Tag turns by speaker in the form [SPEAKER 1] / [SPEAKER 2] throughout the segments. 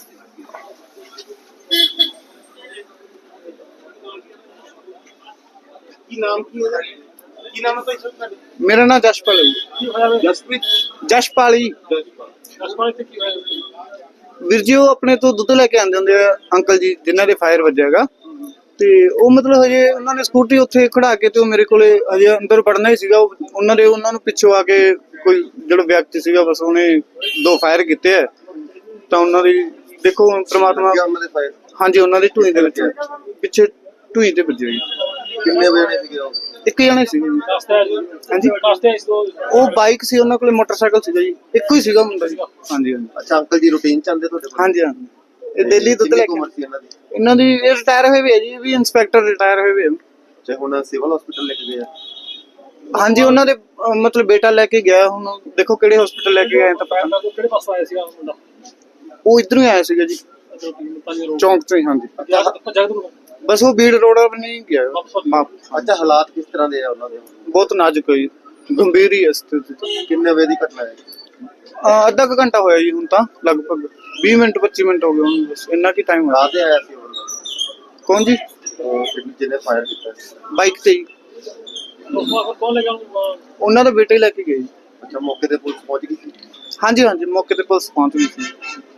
[SPEAKER 1] ਕੀ ਨਾਮ ਕੀ ਉਹਦਾ? ਕੀ ਨਾਮ ਹੈ ਭਾਈ ਸਾਹਿਬ?
[SPEAKER 2] ਮੇਰਾ ਨਾਮ ਜਸ਼ਪਾਲ ਹੈ ਜੀ।
[SPEAKER 1] ਕੀ ਹੋਇਆ? ਜਸਪ੍ਰੀਤ।
[SPEAKER 2] ਜਸ਼ਪਾਲ ਜੀ।
[SPEAKER 1] ਜਸਪਾਲ ਤੇ ਕੀ ਹੋਇਆ?
[SPEAKER 2] ਵੀਰ ਜੀ ਉਹ ਆਪਣੇ ਤੋਂ ਦੁੱਧ ਲੈ ਕੇ ਆਉਂਦੇ ਹੁੰਦੇ ਆ ਅੰਕਲ ਜੀ ਜਿਨ੍ਹਾਂ ਦੇ ਫਾਇਰ ਵੱਜਿਆ ਹੈਗਾ, ਤੇ ਉਹ ਮਤਲਬ ਹਜੇ ਉਹਨਾਂ ਨੇ ਸਕੂਟਰੀ ਉੱਥੇ ਖੜਾ ਕੇ ਤੇ ਉਹ ਮੇਰੇ ਕੋਲੇ ਹਜੇ ਅੰਦਰ ਵੜਨਾ ਹੀ ਸੀਗਾ। ਉਹਨਾਂ ਨੂੰ ਪਿੱਛੋਂ ਆ ਕੇ ਕੋਈ ਜਿਹੜਾ ਵਿਅਕਤੀ ਸੀਗਾ ਬਸ ਉਹਨੇ 2 ਫਾਇਰ ਕੀਤੇ ਆ, ਤਾਂ ਉਹਨਾਂ ਦੀ ਦੇਖੋ ਪ੍ਰਮਾਤਮਾ। ਹਾਂਜੀ ਉਹਨਾਂ ਦੀ ਢੂਈ ਦੇ ਵਿੱਚ ਪਿੱਛੇ ਢੂਈ ਤੇ ਵੱਜੇ ਜੀ।
[SPEAKER 1] ਕਿੰਨੇ ਵਜੇ ਸੀਗੇ ਉਹ?
[SPEAKER 2] ਇੱਕ ਜਣੇ ਸੀਗੇ ਜੀ। ਹਾਂਜੀ ਉਹ ਬਾਈਕ ਸੀ, ਉਹਨਾਂ ਕੋਲੇ ਮੋਟਰਸਾਈਕਲ ਸੀਗਾ ਜੀ, ਇੱਕੋ ਹੀ ਸੀਗਾ ਮੁੰਡਾ ਜੀ। ਹਾਂਜੀ ਹਾਂਜੀ।
[SPEAKER 1] ਅੱਛਾ ਅੰਕਲ ਜੀ ਰੂਟੀਨ ਚ ਆਉਂਦੇ ਤੁਹਾਡੇ ਕੋਲ?
[SPEAKER 2] ਹਾਂਜੀ ਹਾਂਜੀ। ਇਹ ਦਿੱਲੀ ਦੁੱਧ ਲੈ ਕੇ
[SPEAKER 1] ਉਮਰ ਸੀ ਇਹਨਾਂ ਦੀ?
[SPEAKER 2] ਇਹਨਾਂ ਦੀ ਇਹ ਰਿਟਾਇਰ ਹੋਏ ਵੀ ਹੈ ਜੀ, ਇਹ ਵੀ ਇੰਸਪੈਕਟਰ ਰਿਟਾਇਰ ਹੋਏ ਵੀ ਹੈ।
[SPEAKER 1] ਤੇ ਹੁਣ ਸਿਵਲ ਹਸਪੀਟਲ ਲੈ ਕੇ ਗਏ ਆ?
[SPEAKER 2] ਹਾਂਜੀ ਉਹਨਾਂ ਦੇ ਮਤਲਬ ਬੇਟਾ ਲੈ ਕੇ ਗਿਆ, ਹੁਣ ਦੇਖੋ ਕਿਹੜੇ ਹਸਪੀਟਲ ਲੈ ਕੇ ਗਏ ਤਾਂ ਪਤਾ ਨਹੀਂ।
[SPEAKER 1] ਕਿਹੜੇ ਪਾਸੋਂ ਆਇਆ ਸੀਗਾ ਮੁੰਡਾ?
[SPEAKER 2] ਉਹ ਇਧਰੋਂ ਹੀ ਆਇਆ ਸੀਗਾ ਜੀ, ਚੌਂਕ ਤੋਂ ਹੀ। ਹਾਂਜੀ ਬਸ ਉਹ ਬੀੜ ਰੋਡ ਵੱਲ ਨਹੀਂ ਗਿਆ।
[SPEAKER 1] ਅੱਛਾ ਹਾਲਾਤ ਕਿਸ ਤਰ੍ਹਾਂ ਦੇ ਆ ਉਹਨਾਂ ਦੇ?
[SPEAKER 2] ਬਹੁਤ ਨਾਜ਼ੁਕ ਹੈ ਜੀ, ਗੰਭੀਰ ਹੀ ਹੈ ਸਥਿਤੀ।
[SPEAKER 1] ਕਿੰਨੇ ਵਜੇ ਦੀ ਘਟਨਾ ਹੈ?
[SPEAKER 2] ਅੱਧਾ ਕੁ ਘੰਟਾ ਹੋਇਆ ਜੀ ਹੁਣ ਤਾਂ, ਲਗਭਗ 20 ਮਿੰਟ 25 ਮਿੰਟ ਹੋ ਗਏ ਹੁਣ, ਬਸ ਇੰਨਾ ਕੀ ਟਾਈਮ ਹੋਇਆ।
[SPEAKER 1] ਰਾਤ ਆਇਆ ਸੀ ਉਹਨਾਂ?
[SPEAKER 2] ਕੌਣ ਜੀ?
[SPEAKER 1] ਜਿਹਨੇ ਫਾਇਰ ਕੀਤਾ
[SPEAKER 2] ਬਾਈਕ ਤੇ ਹੀ।
[SPEAKER 1] ਕੌਣ ਲੈ ਗਿਆ?
[SPEAKER 2] ਉਹਨਾਂ ਦਾ ਬੇਟਾ ਹੀ ਲੈ ਕੇ ਗਏ ਜੀ।
[SPEAKER 1] ਅੱਛਾ ਮੌਕੇ ਤੇ ਪੁਲਿਸ ਪਹੁੰਚ ਗਈ ਸੀ?
[SPEAKER 2] ਹਾਂਜੀ ਹਾਂਜੀ ਮੌਕੇ ਤੇ ਪੁਲਿਸ ਪਹੁੰਚ ਗਈ ਸੀ।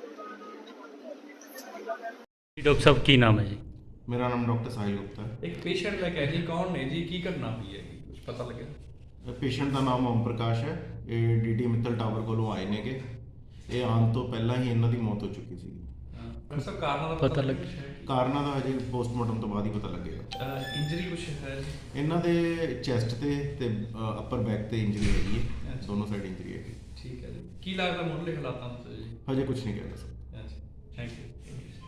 [SPEAKER 3] डॉक्टर साहब की नाम है जी?
[SPEAKER 4] मेरा नाम डॉक्टर साहिल गुप्ता है।
[SPEAKER 5] एक पेशेंट लेके आए जी, कौन ने जी, की घटना हुई है, कुछ पता लगे?
[SPEAKER 4] पेशेंट का नाम ओम प्रकाश है। ये डी मित्तल टावर कोलों आए ने गे। ये आने तो पहला ही इन्हों की मौत हो चुकी सी।
[SPEAKER 5] डॉक्टर साहब कारणों का
[SPEAKER 3] पता लग
[SPEAKER 4] ਕਾਰਨਾਂ ਦਾ ਹਜੇ ਪੋਸਟਮਾਰਟਮ ਤੋਂ ਬਾਅਦ ਹੀ ਪਤਾ ਲੱਗੇਗਾ।
[SPEAKER 5] इंजरी कुछ है जी?
[SPEAKER 4] ਇਹਨਾਂ ਦੇ ਚੈਸਟ ਤੇ ਅਪਰ ਬੈਕ ਤੇ ਇੰਜਰੀ ਹੈਗੀ ਹੈ, ਦੋਨੋਂ ਸਾਈਡ ਇੰਜਰੀ ਹੈਗੀ।
[SPEAKER 5] ठीक है जी। की लगता मुंडले हालात तो जी?
[SPEAKER 4] ਹਜੇ ਕੁਝ ਨਹੀਂ ਕਹਿ ਸਕਦਾ।
[SPEAKER 5] अच्छा थैंक यू।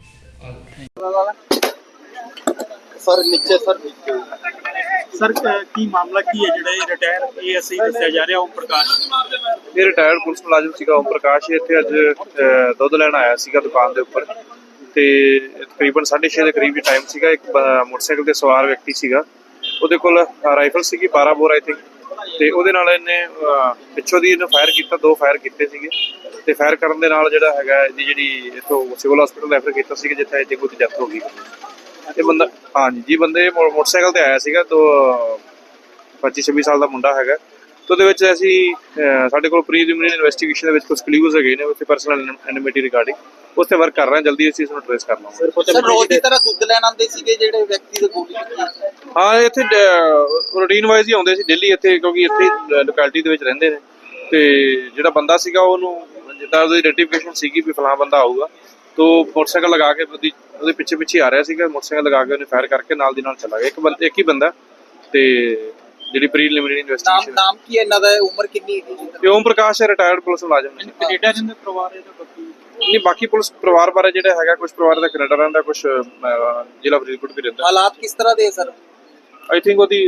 [SPEAKER 1] ਸਰ ਨੀਚੇ ਸਰ
[SPEAKER 6] ਸਰ ਕੀ ਮਾਮਲਾ ਕੀ ਹੈ ਜਿਹੜਾ ਇਹ ਰਿਟਾਇਰ ਏਐਸਆਈ ਦੱਸਿਆ ਜਾ ਰਿਹਾ ਓਮ ਪ੍ਰਕਾਸ਼?
[SPEAKER 7] ਇਹ ਰਿਟਾਇਰਡ ਪੁਲਿਸ ਮੁਲਾਜ਼ਮ ਸੀਗਾ ਓਮ ਪ੍ਰਕਾਸ਼। ਇੱਥੇ ਅੱਜ ਦੁੱਧ ਲੈਣ ਆਇਆ ਸੀਗਾ ਦੁਕਾਨ ਦੇ ਉੱਪਰ, ਤੇ ਤਕਰੀਬਨ 6:30 ਦੇ ਕਰੀਬ ਟਾਈਮ ਸੀਗਾ। ਇੱਕ ਮੋਟਰਸਾਈਕਲ ਤੇ ਸਵਾਰ ਵਿਅਕਤੀ ਸੀਗਾ, ਉਹਦੇ ਕੋਲ ਰਾਈਫਲ ਸੀਗੀ 12 ਬੋਰ ਆਈ ਥਿੰਕ, ਤੇ ਉਹਦੇ ਨਾਲ ਇਹਨੇ ਪਿੱਛੋਂ ਦੀ ਇਹਨੂੰ ਫਾਇਰ ਕੀਤਾ, 2 ਫਾਇਰ ਕੀਤੇ ਸੀਗੇ। ਤੇ ਫਾਇਰ ਕਰਨ ਦੇ ਨਾਲ ਜਿਹੜਾ ਹੈਗਾ ਇਹਦੀ ਜਿਹੜੀ ਇੱਥੋਂ ਸਿਵਲ ਹਸਪੀਟਲ ਰੈਫਰ ਕੀਤਾ ਸੀਗਾ, ਜਿੱਥੇ ਇਹਦੀ ਕੋਈ ਡੈਥ ਹੋ ਗਈ। ਇਹ ਬੰਦਾ ਹਾਂਜੀ ਜੀ ਬੰਦੇ ਮੋਟਰਸਾਈਕਲ ਤੇ ਆਇਆ ਸੀਗਾ, ਤੋਂ 25-26 ਸਾਲ ਦਾ ਮੁੰਡਾ ਹੈਗਾ। ਤੇ ਉਹਦੇ ਵਿੱਚ ਅਸੀਂ ਸਾਡੇ ਕੋਲ ਪ੍ਰੀਲਿਮਿਨਰੀ ਇਨਵੈਸਟੀਗੇਸ਼ਨ ਦੇ ਵਿੱਚ ਕੁਝ ਕਲੂਜ਼ ਹੈਗੇ ਨੇ ਉੱਥੇ ਪਰਸਨਲ ਐਨਿਮਿਟੀ ਰਿਗਾਰਡਿੰਗ, ਉੱਥੇ ਵਰਕ ਕਰ ਰਹੇ ਹਾਂ, ਜਲਦੀ ਅਸੀਂ ਇਸ ਨੂੰ ਟ੍ਰੇਸ ਕਰ ਲਵਾਂਗੇ।
[SPEAKER 2] ਸਰ ਰੋਜ਼ ਦੀ ਤਰ੍ਹਾਂ ਦੁੱਧ ਲੈਣ ਆਉਂਦੇ ਸੀਗੇ ਜਿਹੜੇ ਵਿਅਕਤੀ ਦੇ ਗੋਲੀ ਲੱਗੀ?
[SPEAKER 7] ਹਾਂ ਇੱਥੇ ਰੂਟੀਨ ਵਾਈਜ਼ ਹੀ ਆਉਂਦੇ ਸੀ ਡੇਲੀ ਇੱਥੇ, ਕਿਉਂਕਿ ਇੱਥੇ ਲੋਕੈਲਿਟੀ ਦੇ ਵਿੱਚ ਰਹਿੰਦੇ ਨੇ। ਤੇ ਜਿਹੜਾ ਬੰਦਾ ਸੀਗਾ ਉਹਨੂੰ ਜਿੱਦਾਂ ਉਹਦੀ ਆਈਡੈਂਟੀਫਿਕੇਸ਼ਨ ਸੀਗੀ ਵੀ ਫਲਾਂ ਬੰਦਾ ਆਊਗਾ, ਤੋ ਮੋਟਰਸਾਈਕਲ ਲਗਾ ਕੇ ਉਹਦੇ ਪਿੱਛੇ ਆ ਰਿਹਾ ਸੀਗਾ, ਮੋਟਰਸਾਈਕਲ ਲਗਾ ਕੇ ਉਹਨੇ ਫਾਇਰ ਕਰਕੇ ਨਾਲ ਦੀ ਨਾਲ ਚਲਾ ਗਿਆ। ਇੱਕ ਹੀ ਬੰਦਾ। ਤੇ ਜਿਹੜੀ ਪ੍ਰੀਲਿਮਿਨਰੀ ਇਨਵੈਸਟੀਗੇਸ਼ਨ।
[SPEAKER 2] ਨਾਮ ਕੀ ਹੈ ਇਹਨਾਂ ਦਾ? ਉਮਰ ਕਿੰਨੀ ਹੈ ਜੀ?
[SPEAKER 7] ਓਮ ਪ੍ਰਕਾਸ਼ ਹੈ, ਰਿਟਾਇਰਡ ਪੁਲਿਸ ਮੁਲਾਜ਼ਮ ਨੇ।
[SPEAKER 6] ਕੈਨੇਡਾ ਜਿੰਦੇ ਪਰਿਵਾਰ ਹੈ ਤਾਂ
[SPEAKER 7] ਨਹੀਂ ਬਾਕੀ ਪੁਲਿਸ ਪਰਿਵਾਰ ਬਾਰੇ ਜਿਹੜਾ ਹੈਗਾ, ਕੁਝ ਪਰਿਵਾਰ ਦਾ ਕੈਨੇਡਾ ਰਹਿੰਦਾ, ਕੁਝ ਜ਼ਿਲ੍ਹਾ ਫਰੀਦਕੋਟ ਵੀ ਰਹਿੰਦਾ।
[SPEAKER 2] ਹਾਲਾਤ ਕਿਸ ਤਰ੍ਹਾਂ ਦੇ ਸਰ?
[SPEAKER 7] ਆਈ ਥਿੰਕ ਉਹਦੀ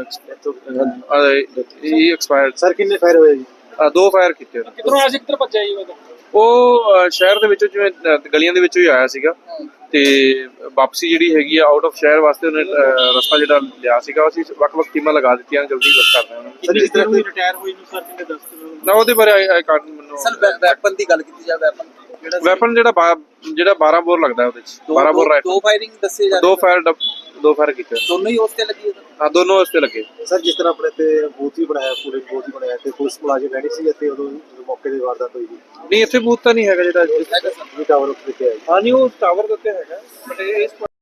[SPEAKER 7] ਇਹ ਐਕਸਪਾਇਰਡ।
[SPEAKER 1] ਸਰ ਕਿੰਨੇ ਫਾਇਰ ਹੋਏ ਜੀ?
[SPEAKER 7] 2 ਫਾਇਰ ਕੀਤੇ ਉਹਨੇ।
[SPEAKER 6] ਕਿਧਰੋਂ ਆਇਆ ਸੀ, ਕਿੱਧਰ ਭੱਜਿਆ ਜੀ ਉਹ?
[SPEAKER 7] ਉਹ ਸ਼ਹਿਰ ਦੇ ਵਿੱਚੋਂ ਜਿਵੇਂ ਗਲੀਆਂ ਦੇ ਵਿੱਚੋਂ ਹੀ ਆਇਆ ਸੀਗਾ, ਤੇ ਵਾਪਸੀ ਜਿਹੜੀ ਹੈਗੀ ਆ ਆਊਟ ਆਫ ਸ਼ਹਿਰ ਵਾਸਤੇ ਉਹਨੇ ਰਸਤਾ ਜਿਹੜਾ ਲਿਆ ਸੀਗਾ। ਅਸੀਂ ਵੱਖ-ਵੱਖ ਟੀਮਾਂ ਲਗਾ ਦਿੱਤੀਆਂ, ਜਲਦੀ ਵਰਕ ਕਰ ਰਹੇ ਹਾਂ।
[SPEAKER 6] ਜਿਸ ਤਰ੍ਹਾਂ ਕੋਈ ਰਿਟਾਇਰ ਹੋਈ ਨੂੰ ਸਰ ਕਿੰਨੇ ਦੱਸ ਦਿਓ
[SPEAKER 7] ਨਾ ਉਹਦੇ ਬਾਰੇ ਆਈ ਕਾਰਡ ਮੈਨੂੰ।
[SPEAKER 2] ਸਰ ਵੈਪਨ ਦੀ ਗੱਲ ਕੀਤੀ ਜਾਵੇ,
[SPEAKER 7] ਵੈਪਨ ਜਿਹੜਾ 12 ਬੋਰ ਲੱਗਦਾ ਉਹਦੇ ਚ 12 ਬੋਰ ਰਾਈਫਲ।
[SPEAKER 2] 2 ਫਾਇਰਿੰਗ ਦੱਸੇ ਜਾ ਰਹੇ?
[SPEAKER 7] 2 ਫਾਇਰ ਕੀਤੇ
[SPEAKER 2] ਦੋਨੋਂ ਹੀ ਉਸ ਤੇ ਲੱਗੀ?
[SPEAKER 7] ਹਾਂ ਦੋਨੋਂ ਉਸ ਤੇ ਲੱਗੇ।
[SPEAKER 1] ਸਰ ਜਿਸ ਤਰ੍ਹਾਂ ਆਪਣੇ ਤੇ ਬੂਥ ਵੀ ਬਣਾਇਆ, ਪੂਰੇ ਬੂਥ ਹੀ ਬਣਾਇਆ, ਤੇ ਪੁਲਿਸ ਮੁਲਾਜ਼ਮ ਰਹਿਣੀ ਸੀ ਇੱਥੇ ਉਦੋਂ ਜਦੋਂ ਮੌਕੇ ਦੀ ਵਾਰਦਾਤ ਹੋਈ?
[SPEAKER 7] ਨਹੀਂ ਇੱਥੇ ਬੂਥ ਤਾਂ ਨਹੀਂ ਹੈਗਾ ਜਿਹੜਾ
[SPEAKER 1] ਟਾਵਰ ਉੱਤੇ ਹੈ।
[SPEAKER 7] ਹਾਂ ਨਹੀਂ ਉਹ ਟਾਵਰ ਦੇ ਉੱਤੇ ਹੈਗਾ, ਬਟ ਇਹ